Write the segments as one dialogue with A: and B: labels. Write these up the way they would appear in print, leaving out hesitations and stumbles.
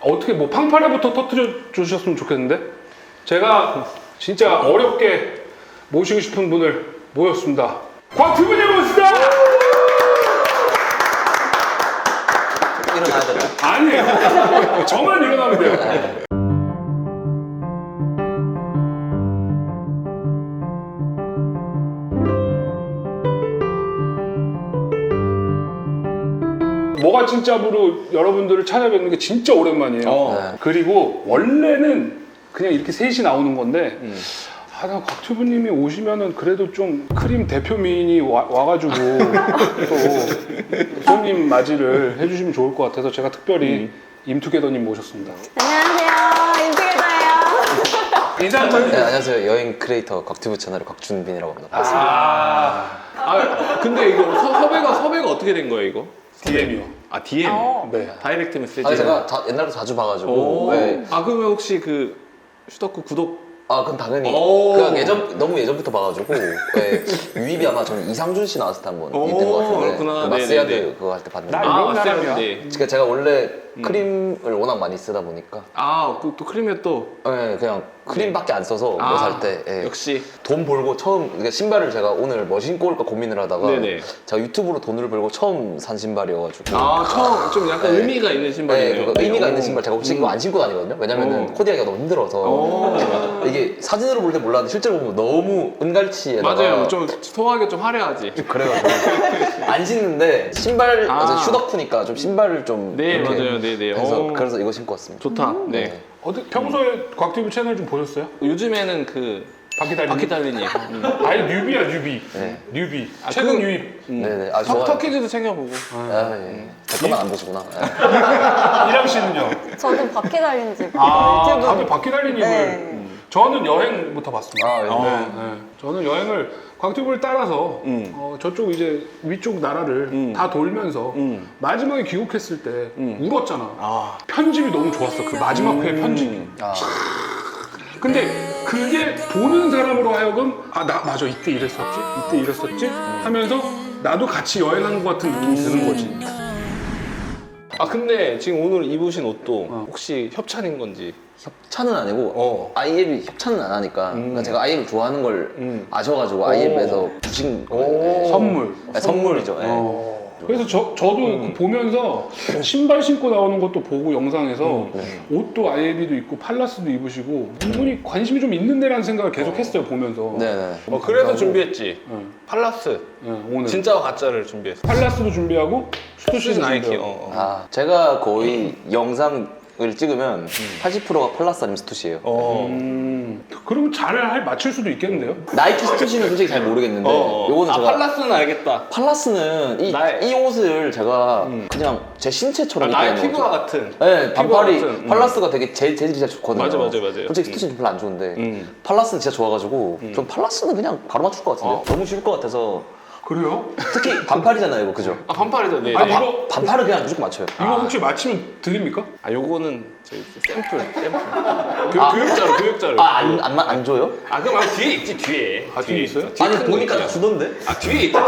A: 어떻게 뭐 팡파레부터 터트려 주셨으면 좋겠는데 제가 진짜 어렵게 모시고 싶은 분을 모였습니다. 곽튜브님 모십니다.
B: 일어나야 되나?
A: 아니에요. 저만 일어나면 돼요. 뭐가 진짜로 여러분들을 찾아뵙는 게 진짜 오랜만이에요.
B: 네.
A: 그리고 원래는 그냥 이렇게 셋이 나오는 건데 나 곽튜브님이 오시면은 그래도 좀 크림 대표 미인이 와가지고 또 손님 맞이를 해주시면 좋을 것 같아서 제가 특별히 임투게더님 모셨습니다.
C: 안녕하세요. 임피게더예요.
A: 인사 한번
B: 네,
A: 해주세요.
B: 안녕하세요. 여행 크리에이터 곽튜브 채널의 곽준빈이라고 합니다.
D: 근데 이거 섭외가 어떻게 된 거예요, 이거?
A: DM이요.
D: 아, DM?
A: 네.
D: 다이렉트 메시지?
B: 제가 옛날부터 자주 봐가지고.
D: 오.
B: 네.
D: 아, 그러면 혹시 그 슈더쿠 구독?
B: 그건 당연히.
D: 오.
B: 그냥 너무 예전부터 봐가지고. 네. 유입이 아마 저는 이상준 씨 나왔을 때 한번
D: 오,
B: 있던 것 같은데.
D: 그렇구나.
B: 그 마스야드
D: 네네네.
B: 그거 할 때 봤는데.
A: 나 이런
D: 맞아요.
A: 사람이야.
D: 네.
B: 그러니까 제가 원래 크림을 워낙 많이 쓰다 보니까.
D: 또 크림에 또.
B: 네, 그냥 크림밖에 안 써서 뭐 살 때. 예.
D: 역시.
B: 돈 벌고 처음 그러니까 신발을 제가 오늘 뭐 신고 올까 고민을 하다가
D: 네네.
B: 제가 유튜브로 돈을 벌고 처음 산 신발이어가지고
D: 처음 좀 약간
B: 네.
D: 의미가 있는 신발이네요.
B: 네, 그거 의미가 있는 신발 제가 혹시 이거 안 신고 다니거든요. 왜냐면은 코디하기가 너무 힘들어서 이게 사진으로 볼 때 몰랐는데 실제로 보면 너무 은갈치에다가
D: 맞아요. 좀 소화하기 좀 화려하지.
B: 그래가지고 안 신는데 신발
D: 아.
B: 슈더쿠니까 좀 신발을 좀
D: 네,
B: 이렇게
D: 맞아요. 네네.
B: 그래서 이거 신고 왔습니다.
D: 좋다. 네.
A: 평소에 곽튜브 채널 좀 보셨어요?
D: 요즘에는 그 바퀴 달리니.
A: 아예 뉴비야 뉴비.
B: 네.
A: 뉴비. 최근 유입.
B: 네네. 아 좋아요.
D: 터키즈도 챙겨보고.
B: 예. 제 것만 안 보시구나. 예.
A: 이랑 씨는요?
C: 저도 바퀴 달린 집
A: 다들
C: 유튜브.
A: 바퀴 달린 입을.
C: 네.
A: 저는 여행부터 봤습니다.
B: 아, 네.
A: 네. 저는 여행을 곽튜브를 따라서 저쪽 이제 위쪽 나라를 다 돌면서 마지막에 귀국했을 때 울었잖아. 편집이 너무 좋았어. 그 마지막 회 편집이. 근데 그게 보는 사람으로 하여금 나 맞아 이때 이랬었지 하면서 나도 같이 여행하는 것 같은 느낌이 드는 거지.
D: 근데 지금 오늘 입으신 옷도 혹시 협찬인 건지?
B: 협찬은 아니고 아이앱이 협찬은 안 하니까 그러니까 제가 아이앱을 좋아하는 걸 아셔가지고 아이앱에서 주신 거예요.
A: 선물.
B: 네, 선물이죠. 네.
A: 그래서 저도 그 보면서 신발 신고 나오는 것도 보고 영상에서 옷도 아이비도 입고 팔라스도 입으시고 이분이 관심이 좀 있는 데라는 생각을 계속 했어요 보면서.
B: 네네.
D: 그래서 준비했지. 팔라스.
A: 오늘
D: 진짜와 가짜를 준비했어.
A: 팔라스도 준비하고 슈토시즈
D: 나이키.
A: 준비하고.
B: 제가 거의 영상을 찍으면 80%가 팔라스 아니면 스투시예요.
A: 그러면 잘 맞출 수도 있겠는데요?
B: 나이키 스투시는 솔직히 잘 모르겠는데 요거는 제가
D: 팔라스는 알겠다.
B: 팔라스는 이 옷을 제가 그냥 제 신체처럼
D: 나의
B: 입게 되는
D: 피부와
B: 거죠.
D: 같은.
B: 네, 반팔이
D: 같은,
B: 팔라스가 되게 재질이 진짜 좋거든요.
D: 맞아요.
B: 솔직히 스투시는 별로 안 좋은데 팔라스는 진짜 좋아가지고 좀 팔라스는 그냥 바로 맞출 것 같은데 너무 쉬울 것 같아서
A: 그래요?
B: 특히 반팔이잖아요, 이거 그죠?
D: 반팔이죠. 네.
A: 아니, 이거-
B: 반팔은 그냥 무조건 맞춰요.
A: 이거 혹시 맞히면 드립니까?
D: 요거는 저희 샘플. 교육자로.
B: 안 줘요?
D: 그럼 뒤에 있지, 뒤에.
A: 뒤에 있어요?
B: 아니
D: 큰 거
B: 보니까
D: 있잖아.
B: 주던데?
D: 뒤에 있다,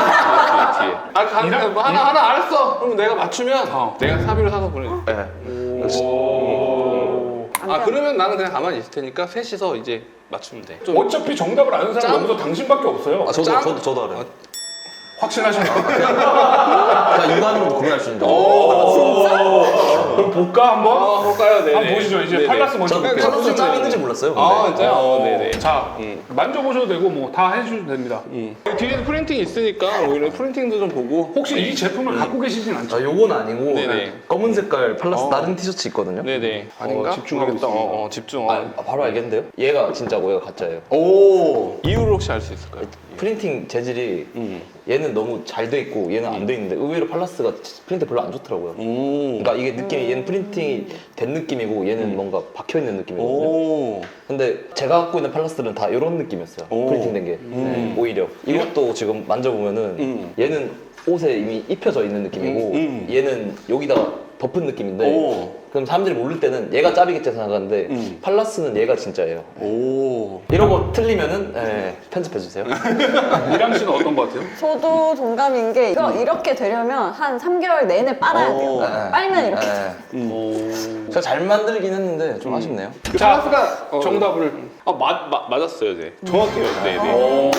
D: 뒤에. 뭐 하나 알았어. 그럼 내가 맞추면 내가 사비로 사서 보내줄게. 그러면 나는 그냥 가만히 있을 테니까 셋이서 이제 맞추면 돼. 좀
A: 어차피 정답을 아는 사람 여기서 당신밖에 없어요.
B: 저도 알아요.
A: 확신하시나요?
B: 그러니까 육안으로 구분할 수 있는 거.
A: 그럼 볼까 한번?
D: 볼까요? 네.
A: 한번 보시죠. 이제 팔라스 먼저
B: 저
A: 볼게요.
B: 팔라스 짬 있는지 몰랐어요. 근데.
D: 진짜요? 네네.
A: 자, 만져보셔도 되고 뭐 다 해주셔도 됩니다.
D: 뒤에 프린팅이 있으니까 오히려 프린팅도 좀 보고.
A: 혹시 이 제품을 갖고 계시진 않죠?
B: 요건 아니고
D: 네네.
B: 검은 색깔 팔라스 다른 티셔츠 있거든요.
D: 네네. 아닌가?
A: 집중하겠다.
D: 집중.
B: 바로 알겠는데요? 얘가 진짜고 얘가 가짜예요.
D: 이유를 혹시 알 수 있을까요?
B: 프린팅 재질이 얘는 너무 잘 돼 있고 얘는 안 돼 있는데 의외로 팔라스가 프린트 별로 안 좋더라고요. 그러니까 이게 느낌이 얘는 프린팅이 된 느낌이고 얘는 뭔가 박혀 있는 느낌이거든요. 근데 제가 갖고 있는 팔라스들은 다 이런 느낌이었어요. 프린팅된 게 오히려 이것도 지금 만져보면은 얘는 옷에 이미 입혀져 있는 느낌이고 얘는 여기다가 덮은 느낌인데
E: 오.
B: 그럼 사람들이 모를 때는 얘가 짭이겠지 생각하는데 팔라스는 얘가 진짜예요.
E: 오.
B: 이런 거 틀리면은 편집해주세요.
A: 이랑 씨는 어떤 것 같아요?
C: 저도 동감인 게 이거 이렇게 되려면 한 3개월 내내 빨아야 돼요.
E: 오.
C: 빨면 이렇게
B: 제가 잘 만들긴 했는데 좀 아쉽네요.
D: 그 팔라스가 정답을 맞았어요, 네. 정확해요. 네, 네.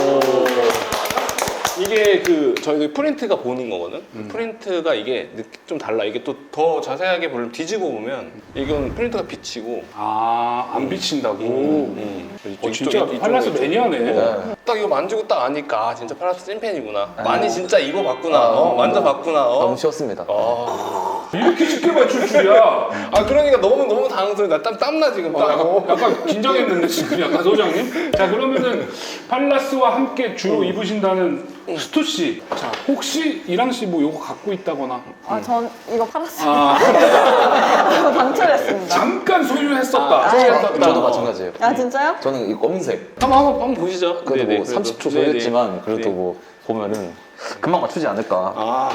D: 이게 그 저희들 프린트가 보는 거거든. 프린트가 이게 좀 달라. 이게 또 더 자세하게 보면 뒤집어 보면 이건 프린트가 비치고
A: 안 비친다고. 진짜
D: 이쪽,
A: 팔라스
D: 이쪽.
A: 매니아네.
D: 딱 이거 만지고 딱 아니까 아, 진짜 팔라스 찐팬이구나. 많이 진짜 입어봤구나. 만져봤구나.
B: 너무 쉬웠습니다.
A: 이렇게 쉽게 맞출 줄이야.
D: 아 그러니까 너무 당황스러워. 나 땀나 지금.
A: 약간 긴장했는데 지금 약간 소장님. 자 그러면은 팔라스와 함께 주로 입으신다는 스투 씨. 자 혹시 이랑 씨 뭐 요거 갖고 있다거나
C: 전 이거 팔았어요.
A: 아
C: 방출했습니다.
A: 잠깐 소유했었다.
B: 저도 마찬가지예요.
C: 아 진짜요?
B: 저는 이 검은색.
D: 한번 보시죠.
B: 그래도
D: 네네,
B: 뭐
D: 그래도.
B: 30초
D: 네네.
B: 소요했지만 그래도
D: 네.
B: 뭐 보면은 금방 맞추지 않을까.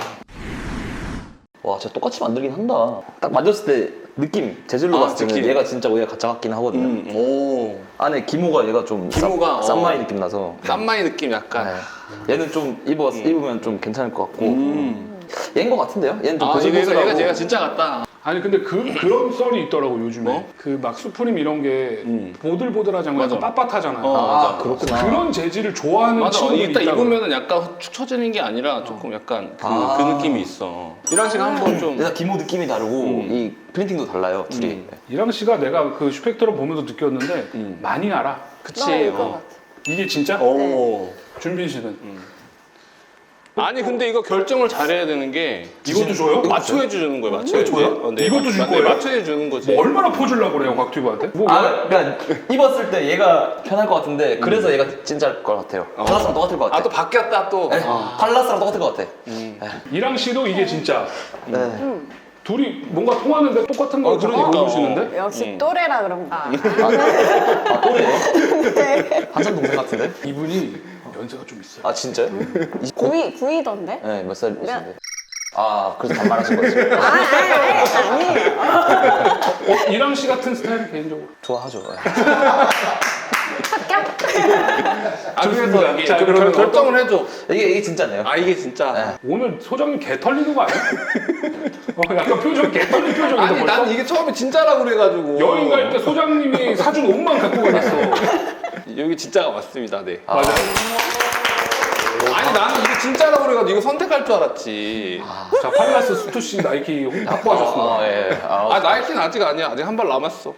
B: 와, 진짜 똑같이 만들긴 한다. 딱 만졌을 때 느낌, 재질로 봤을 때는
D: 느낌.
B: 얘가 진짜 얘가 가짜 같긴 하거든요.
E: 오.
B: 안에 기모가 얘가 좀
D: 기모가,
B: 쌈마이 느낌 나서.
D: 쌈마이 느낌 약간.
B: 네. 얘는 좀 입으면 좀 괜찮을 것 같고. 얘인 것 같은데요? 얘는 좀
D: 아
B: 보슬보슬하고.
D: 얘가 진짜 같다.
A: 아니 근데 그런 썰이 있더라고 요즘에. 그 막 수프림 이런 게 보들보들하지 않고 약간 빳빳하잖아요.
B: 아, 그렇구나.
A: 그런 재질을 좋아하는
D: 맞아.
A: 친구들이
D: 이따
A: 있다고.
D: 입으면은 약간 축 처지는 게 아니라 조금 약간 그 느낌이 있어. 이랑 씨가 한번 좀.
B: 일단 기모 느낌이 다르고 이 프린팅도 달라요, 둘이.
A: 이랑 씨가 내가 그 슈펙트럼 보면서 느꼈는데 많이 알아.
D: 그치.
C: 너무 이거 같아.
A: 이게 진짜?
E: 오.
A: 준빈 씨는
D: 아니 근데 이거 결정을 잘해야 되는 게
A: 이것도 줘요?
D: 맞춰해 주는 거예요. 맞춰해
A: 줘요?
D: 네,
A: 이것도 줄
D: 네,
A: 거예요?
D: 맞춰해 주는 거지.
A: 뭐 얼마나 퍼주려고 그래요 곽튜브한테? 뭐
B: 그러니까 입었을 때 얘가 편할 것 같은데 그래서 얘가 진짜일 것 같아요. 팔라스랑 똑같을 것 같아.
D: 아 또 바뀌었다 또.
B: 네, 팔라스랑 똑같을 것 같아.
A: 이랑 씨도 이게 진짜
B: 네.
A: 둘이 뭔가 통하는데 똑같은 거
D: 그러니까.
A: 보여주시는데?
C: 역시 또래라 그런가.
B: 아, 또래요?
C: 네.
B: 한참 동생 같은데?
A: 이분이 연세가 좀 있어요.
B: 아, 진짜요?
C: 9위던데?
B: 네, 몇 살이신데? 아, 그래서 반말하신 거지.
C: 아니에요.
A: 이랑 씨 같은 스타일 개인적으로
B: 좋아하죠.
C: 합격?
D: 아 그래서
A: 좋습니다.
D: 이게
A: 자,
D: 좀
A: 그러면
D: 결정을 해줘.
B: 이게 진짜네요.
D: 아 이게 진짜.
A: 오늘 소장님 개 털리는 거 아니야? 약간 표정 개 털린 표정인데
D: 아니
A: 벌써?
D: 난 이게 처음에 진짜라고 그래가지고.
A: 여행 갈 때 소장님이 사준 옷만 갖고 가셨어.
D: 여기 진짜가 맞습니다. 네.
A: 맞아.
D: 아니 나는 이게 진짜라고 그래가지고 이거 선택할 줄 알았지.
A: 자 팔라스 스투 씨 나이키 확보하셨습니다.
B: 예.
D: 아 나이키는 아직 아니야. 아직 한 발 남았어.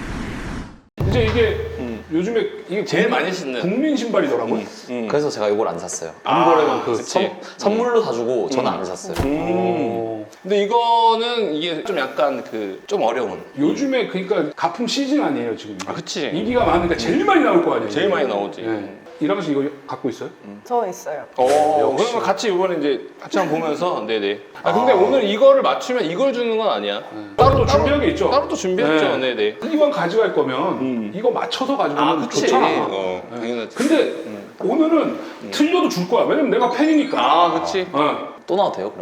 A: 이제 이게 요즘에 이게
D: 제일 많이 신는.
A: 국민 신발이더라고요.
B: 그래서 제가 이걸 안 샀어요.
A: 아,
D: 그치.
B: 선물로 사주고 저는 안 샀어요.
D: 근데 이거는 이게 좀 약간 그 좀 어려운.
A: 요즘에 그러니까 가품 시즌 아니에요 지금.
D: 아 그치.
A: 인기가 많으니까 제일 많이 나올 거 아니에요.
D: 제일 많이 나오지.
A: 네. 이랑 씨 이거 갖고 있어요?
C: 저 있어요.
D: 그러면 같이 이번에 이제 같이 한번 보면서 네네. 아 근데 오늘 이거를 맞추면 이걸 주는 건 아니야.
A: 따로 또 준비한 게 있죠?
D: 따로 또 준비했죠. 네네.
A: 이왕 가져갈 거면 이거 맞춰서 가져가면
D: 아 그치.
A: 좋잖아.
D: 당연하지.
A: 근데 오늘은 틀려도 줄 거야. 왜냐면 내가 팬이니까.
D: 아 그치.
B: 또 나와도 돼요,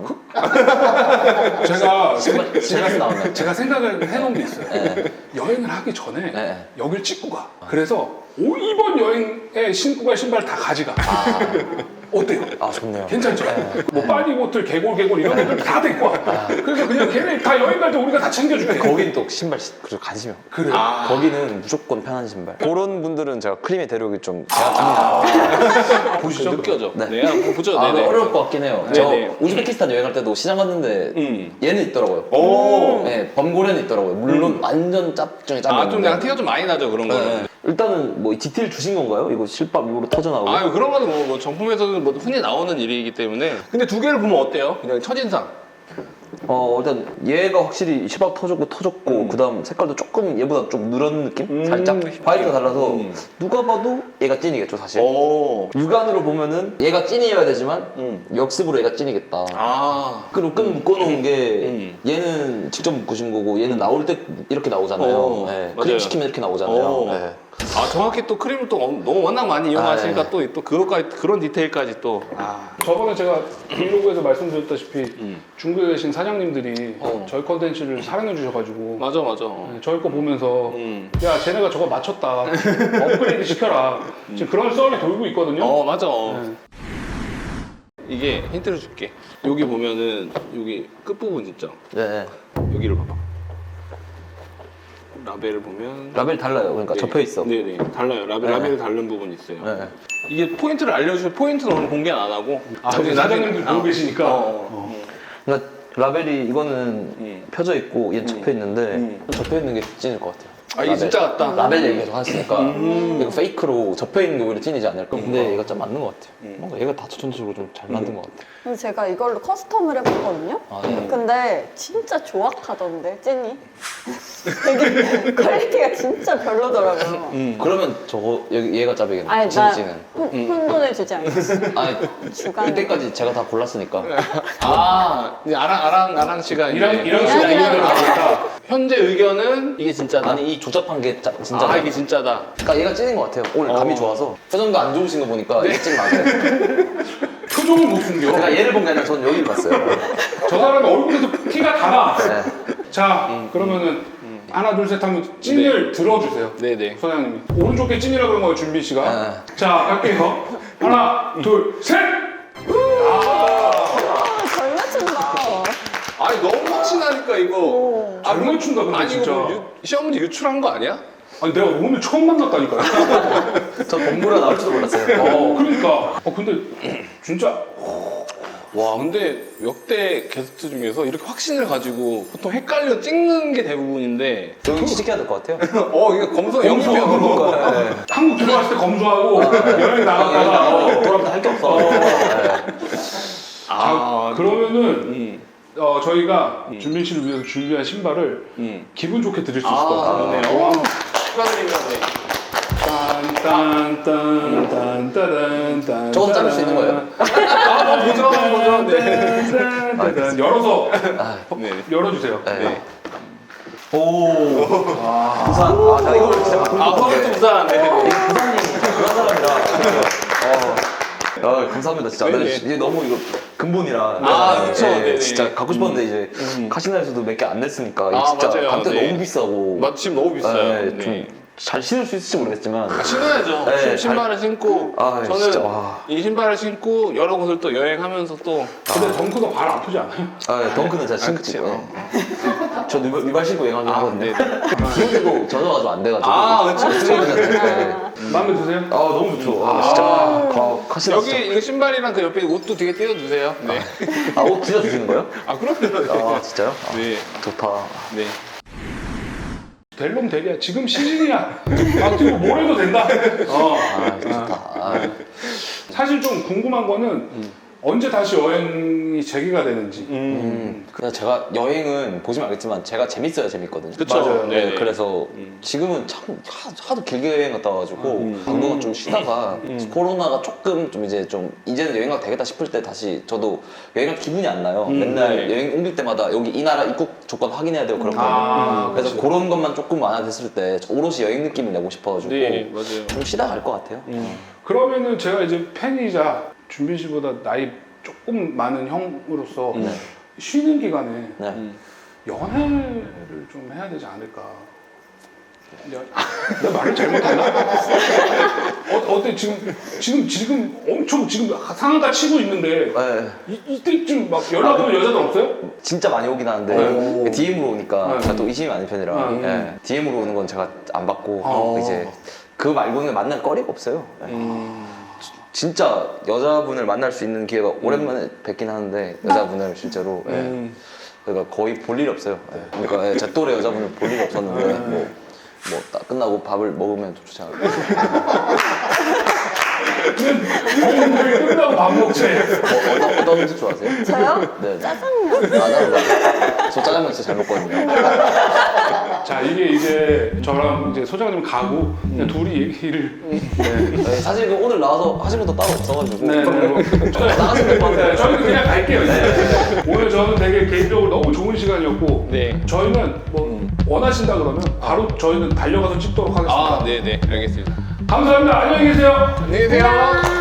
B: 그러면?
A: 제가
B: 나오면.
A: 제가 생각을 해놓은 게 있어요. 여행을 하기 전에
B: 네.
A: 여길 찍고 가. 그래서 이번 여행에 신고 갈 신발 다 가져가. 어때요?
B: 아, 좋네요.
A: 괜찮죠? 뭐 빠니보틀, 개골 이런 것들 다 데리고 와. 그래서 그냥 걔네 다 여행 갈 때 우리가 다 챙겨줄게.
B: 거긴 또 신발 그래도 관심이 없고.
A: 그래.
B: 거기는 무조건 편한 신발. 그런 분들은 제가 크림에 데려오기 좀 제가
A: 보시죠.
D: 느껴져.
B: 네.
D: 네. 한번 보죠.
B: 아,
D: 네네.
B: 어려울 것 같긴 해요.
D: 네네.
B: 저 우즈베키스탄 여행할 때도 시장 갔는데 얘는 있더라고요. 네, 범고래는 있더라고요. 물론 완전 짭 중에 짭.
D: 아좀 약간 티가 좀 많이 나죠 그런 거는.
B: 네. 일단은 뭐 디테일 주신 건가요? 이거 실밥 입으로 터져 나오고.
D: 아유 그런 거는 뭐 정품에서도 뭐 흔히 나오는 일이기 때문에. 근데 두 개를 보면 어때요? 그냥 첫인상.
B: 일단 얘가 확실히 실밥 터졌고 그다음 색깔도 조금 얘보다 좀 누런 느낌? 살짝 화이트가 달라서 누가 봐도 얘가 찐이겠죠 사실. 육안으로 보면은 얘가 찐이어야 되지만 역습으로 얘가 찐이겠다.
D: 아.
B: 그리고 끈 묶어놓은 게 얘는 직접 묶으신 거고 얘는 나올 때 이렇게 나오잖아요. 네.
D: 맞아요.
B: 크림 시키면 이렇게 나오잖아요. 네.
D: 아 정확히 또 크림을 또 너무 워낙 많이 이용하시니까 또 그것까지 그런 디테일까지 또.
A: 저번에 제가 브이로그에서 말씀드렸다시피 중국에 계신 사장님들이 저희 컨텐츠를 사랑해 주셔가지고
D: 맞아.
A: 네, 저희 거 보면서
D: 음.
A: 야 쟤네가 저거 맞췄다 업그레이드 시켜라 지금 그런 썰이 돌고 있거든요.
D: 맞아.
A: 네.
D: 이게 힌트를 줄게. 여기 보면은 여기 끝부분 있죠?
B: 네.
D: 여기를 봐봐. 라벨을 보면
B: 라벨 달라요. 그러니까
D: 네.
B: 접혀 있어.
D: 네네 달라요. 라벨이 다른 부분이 있어요.
B: 네.
D: 이게 포인트를 알려주셔서 포인트는 오늘 공개는 안 하고
A: 이제 사장님들 보고 계시니까
B: 그러니까 라벨이 이거는 펴져 있고 얘는 접혀 있는데 접혀 있는 게 찐일 것 같아요.
D: 아 이게 진짜 같다.
B: 라벨 얘기 계속 하시니까 이거 페이크로 접혀 있는 게 오히려 찐이지 않을까. 근데 얘가 좀 맞는 것 같아요. 뭔가 얘가 다 전체적으로 좀 잘 만든 것 같아요.
C: 근데 제가 이걸로 커스텀을 해봤거든요.
B: 아, 네.
C: 근데 진짜 조악하던데 찐이. 되게 퀄리티가 진짜 별로더라고요.
B: 그러면 저거 얘가 짭이겠네.
C: 아니 나
B: 진찌는.
C: 혼돈을 주지 않겠어.
B: 아니
C: 주간.
B: 이때까지 제가 다 골랐으니까.
D: 이제 아랑 씨가
A: 이랑
D: 이제
A: 씨가
C: 이랑
A: 의견을 가졌다.
D: 현재 의견은 이게 진짜다.
B: 아니 이 조잡한 게 진짜.
D: 이게 진짜다.
B: 그러니까 얘가 찐인 것 같아요. 오늘 감이 좋아서 표정도 안 좋으신 거 보니까 이게 찐 맞아요.
A: 표정을 못 숨겨.
B: 제가 얘를 본 게 아니라 저는 여기를 봤어요.
A: 저 사람의 얼굴에서 티가 다 나.
B: 네.
A: 자 그러면은 하나 둘 셋 하면 찐을 들어주세요.
D: 네네.
A: 소장님이 오른쪽 게 찐이라 그런 거예요 준비 씨가.
B: 네.
A: 자 갈게요. 하나 둘 셋.
C: 잘 맞춘다.
D: 아니 너무 확신하니까 이거.
A: 잘 맞춘다 근데
D: 아니
A: 진짜.
D: 이거 시험 문제 유출한 거 아니야?
A: 아니 내가 오늘 처음 만났다니까요.
B: 저 본부라 나올 줄도 몰랐어요.
A: 그러니까. 근데 진짜
D: 와 근데 역대 게스트 중에서 이렇게 확신을 가지고 보통 헷갈려 찍는 게 대부분인데
B: 여기 취직해야 될 것 같아요.
D: 이거 검소 영입이야 그거.
B: 네.
A: 한국 들어왔을 때 검수하고 여행 나갔다가
B: 돌아보다 할 게 없어.
A: 자, 그러면은 저희가 준빈 씨를 위해서 준비한 신발을 기분 좋게 드릴 수 있을 것 같아요.
D: 그러네요. 축하드립니다. 네.
A: 딴딴딴딴딴딴
B: 저건 자를 수 있는 거예요?
D: 보죠.
A: 네. 열어서
D: 네.
A: 열어주세요.
B: 네. 오. 부산. 나 이걸 진짜 바꿀 것 같아.
D: 퍼펙트 부산. 네.
B: 부산이 그런 사람이라. 감사합니다 진짜.
D: 네네.
B: 이게 너무 이거 근본이라.
D: 그쵸. 네네.
B: 진짜 갖고 싶었는데 이제 카시나에서도 몇 개 안 냈으니까 이게
D: 아,
B: 진짜
D: 맞아요.
B: 한때
D: 네.
B: 너무 비싸고.
D: 지금 너무 비싸요.
B: 좀 잘 신을 수 있을지 모르겠지만.
D: 신어야죠.
B: 네,
D: 신발을 신고 저는
B: 진짜, 와.
D: 이 신발을 신고 여러 곳을 또 여행하면서 또
A: 근데 덩크가 발 아프지 않아요?
B: 덩크는 제가 신지.
D: 그치요.
B: 저 위발 신고 여행하긴 하거든요.
D: 네.
B: 그런데도 젖어가지고 안 돼가지고.
D: 그치.
A: 마음에 드세요?
B: 너무 좋죠. 진짜. 카시나
D: 여기
B: 진짜.
D: 이 신발이랑 그 옆에 옷도 되게 띄워주세요. 네.
B: 옷 진짜 주시는 거예요?
D: 그럼요.
B: 진짜요?
D: 네.
B: 좋다.
D: 네.
A: 될 놈 되리야. 지금 시즌이야. 그리고 뭘 해도 된다.
B: 좋다.
A: 사실 좀 궁금한 거는 언제 다시 여행이 재개가 되는지.
B: 그냥 제가 여행은 보시면 알겠지만 제가 재밌어야 재밌거든요.
D: 그쵸. 맞아요.
B: 네,
D: 네네.
B: 그래서 지금은 참 하도 길게 여행 갔다 와가지고 방송을 좀 쉬다가 코로나가 조금 좀 이제는 여행 가도 되겠다 싶을 때 다시 저도 여행 갈 기분이 안 나요. 맨날
D: 네.
B: 여행 옮길 때마다 여기 이 나라 입국 조건 확인해야 되고 그렇거든요. 그래서 그런 것만 조금 완화됐을 때 오롯이 여행 느낌을 내고 싶어가지고
D: 네, 맞아요.
B: 좀 쉬다 갈 것 같아요.
A: 그러면은 제가 이제 팬이자 준빈 씨보다 나이 조금 많은 형으로서 쉬는 기간에
B: 네.
A: 연애를 좀 해야 되지 않을까. 내가 말을 잘못했나? 어때 지금 엄청 지금 상한가 치고 있는데
B: 네.
A: 이때쯤 막 연락 오는 여자들 없어요?
B: 진짜 많이 오긴 하는데 DM으로 오니까
A: 네.
B: 제가 또 의심이 많은 편이라 예, DM으로 오는 건 제가 안 받고 이제 그 말고는 만날 거리가 없어요. 예. 진짜 여자분을 만날 수 있는 기회가 오랜만에 뵙긴 하는데 여자분을 실제로 그러니까 거의 볼 일이 없어요. 예. 그러니까 제 또래 여자분을 볼 일이 없었는데 뭐 딱 끝나고 밥을 먹으면 좀 좋지 않을까.
A: 그냥 끝나고 밥 먹지.
B: 어떤 음식 좋아하세요?
C: 저요?
B: 네.
C: 짜장면.
B: 저 짜장면 진짜 잘 먹거든요.
A: 자 이게 이제 저랑 이제 소장님 가고 그냥 둘이 얘기를
B: 네, 사실 그 오늘 나와서 하신 것도 따로 없어가지고
A: 나가시면 될 것 같아요. 저희는 그냥 갈게요. 이제. 오늘 저는 되게 개인적으로 너무 좋은 시간이었고
D: 네.
A: 저희는 뭐 원하신다 그러면 바로 저희는 달려가서 찍도록 하겠습니다.
D: 네네. 알겠습니다.
A: 감사합니다. 안녕히 계세요.
D: 안녕히 계세요.